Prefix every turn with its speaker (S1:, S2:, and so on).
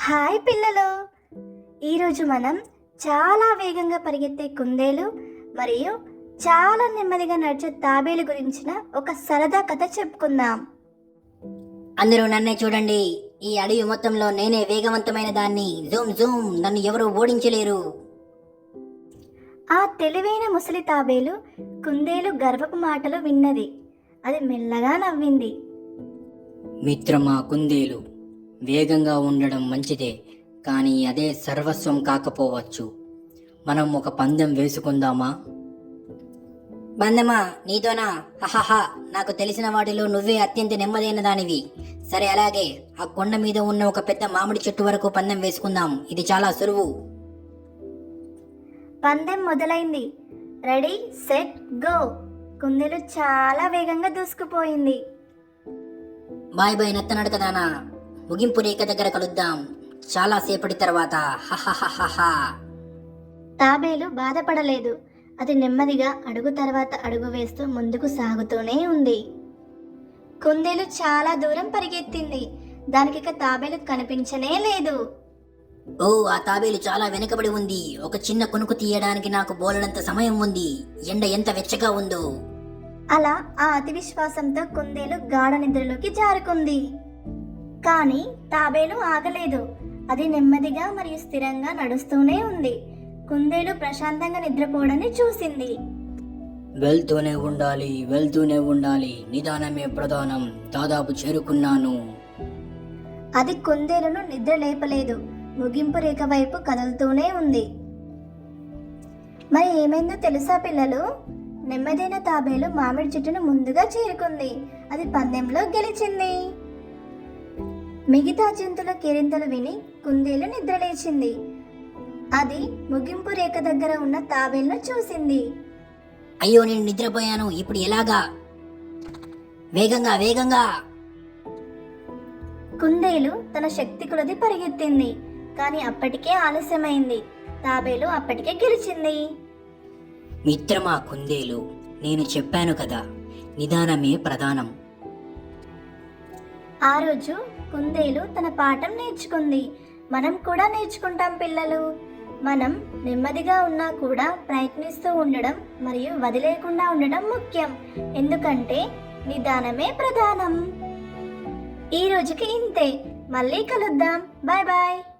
S1: Hi పిల్లలు, ఈరోజు మనం చాలా వేగంగా పరిగెత్తే కుందేలు మరియు చాలా నెమ్మదిగా నడిచే తాబేలు గురించిన ఒక సరదా కథ చెప్పుకుందాం.
S2: అందరూ నన్నే చూడండి. ఈ అడవి మొత్తంలో నేనే వేగవంతమైన దాన్ని. జూమ్ జూమ్, నన్ను ఎవరు ఓడించలేరు.
S1: ఆ తెలివైన ముసలి తాబేలు కుందేలు గర్వపు మాటలు విన్నది. అది మెల్లగా నవ్వింది.
S2: మిత్రమా కుందేలు, వేగంగా ఉండడం మంచిదే, కానీ అదే సర్వస్వం కాకపోవచ్చు. మనం ఒక పందెం వేసుకుందామా? పందెమా? నీతోనా? హహహ, నాకు తెలిసిన వాటిలో నువ్వే అత్యంత నెమ్మదైన దానివి. సరే, అలాగే ఆ కొండ మీద ఉన్న ఒక పెద్ద మామిడి చెట్టు వరకు పందెం వేసుకుందాం. ఇది చాలా సులువు.
S1: పందెం మొదలైంది. Ready set go. కుందేలు చాలా వేగంగా దూసుకుపోయింది.
S2: బాయ్ బాయ్ నత్తనడకదానా, ముగింపు రేఖ దగ్గర కలుద్దాం చాలా సేపటి తర్వాత. హహహహహ.
S1: తాబేలు బాధపడలేదు. అది నెమ్మదిగా అడుగు తర్వాత అడుగు వేస్తూ ముందుకు సాగుతూనే ఉంది. కుందేలు చాలా దూరం పరిగెత్తింది. దానికిక తాబేలు కనిపించనే లేదు.
S2: ఓ, ఆ తాబేలు చాలా వెనుకబడి ఉంది. ఒక చిన్న కొనుకు తీయడానికి నాకు బోలెడంత సమయం ఉంది. ఎండ ఎంత వెచ్చగా ఉందో.
S1: అలా ఆ అతి విశ్వాసంతో కుందేలు గాఢ నిద్రలోకి జారుకుంది. కానీ తాబేలు ఆగలేదు. అది నెమ్మదిగా మరియు స్థిరంగా నడుస్తూనే ఉంది. కుందేలు ప్రశాంతంగా నిద్రపోవడాన్ని చూసింది.
S2: వెళ్తూనే ఉండాలి, నిదానమే ప్రధానం. దాదాపు చేరుకున్నాను.
S1: అది కుందేలును నిద్ర లేపలేదు. ముగింపు రేఖ వైపు కదులుతూనే ఉంది. మరి ఏమైందో తెలుసా పిల్లలు? నెమ్మదైన తాబేలు మామిడి చెట్టును ముందుగా చేరుకుంది. అది పందెంలో గెలిచింది. మిగతా జంతువుల కేరింతలు విని కుందేలు నిద్రలేచింది. అది ముగింపు రేఖ దగ్గర ఉన్న తాబేలును చూసింది.
S2: అయ్యో, నేను నిద్రపోయాను. ఇప్పుడు ఎలాగా? వేగంగా వేగంగా.
S1: కుందేలు తన శక్తి కొలది పరిగెత్తింది. కానీ అప్పటికే ఆలస్యమైంది. తాబేలు అప్పటికే గెలిచింది.
S2: మిత్రమా కుందేలు, నేను చెప్పాను కదా, నిదానమే ప్రధానం.
S1: ఆ రోజు కుందేలు తన పాఠం నేర్చుకుంది. మనం కూడా నేర్చుకుంటాం పిల్లలు. మనం నెమ్మదిగా ఉన్నా కూడా ప్రయత్నిస్తూ ఉండడం మరియు వదిలేకుండా ఉండడం ముఖ్యం. ఎందుకంటే నిదానమే ప్రధానం. ఈ రోజుకి ఇంతే. మళ్ళీ కలుద్దాం. Bye bye.